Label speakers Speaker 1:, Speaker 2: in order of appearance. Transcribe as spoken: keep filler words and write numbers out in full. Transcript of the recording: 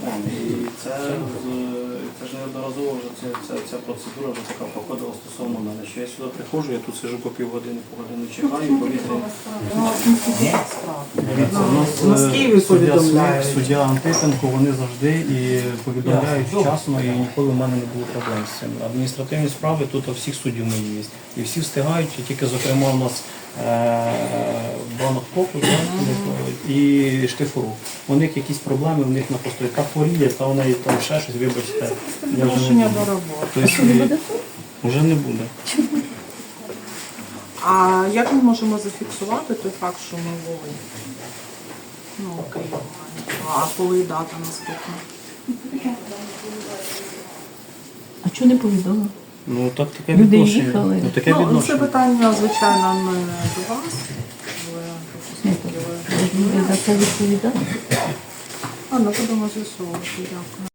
Speaker 1: І це, з- це ж неодноразово вже ця, ця, ця процедура вже така проходила стосовно мене. Що я сюди приходжу, я тут сижу по півгодини, по годину чекаю, повітря. У нас
Speaker 2: в Києві повідомляють.
Speaker 1: Суддя Антипенко, вони завжди і повідомляють вчасно, і ніколи в мене не було проблем з цим. Адміністративні справи тут у всіх суддів мої є. І всі встигають, і тільки, зокрема, у нас банок коку і штифуру. У них якісь проблеми, у них на постої та хворіє, та у неї там ще щось, вибачте. Я вже не буду.
Speaker 2: до роботи.
Speaker 1: Тобто, вже не буде.
Speaker 2: А як ми можемо зафіксувати той факт, що ми були? Ну, окей. А коли дата наступна?
Speaker 3: А чого не повідомили?
Speaker 1: Ну так таке
Speaker 3: Люди
Speaker 1: відношення.
Speaker 3: їхали.
Speaker 1: Ну, таке
Speaker 2: Ну, це
Speaker 1: відношення.
Speaker 2: питання, звичайно, не до вас.
Speaker 3: Ні,
Speaker 2: Але
Speaker 3: Люди за це відповідають.
Speaker 2: а, ну, будемо з'ясовувати. Дякую.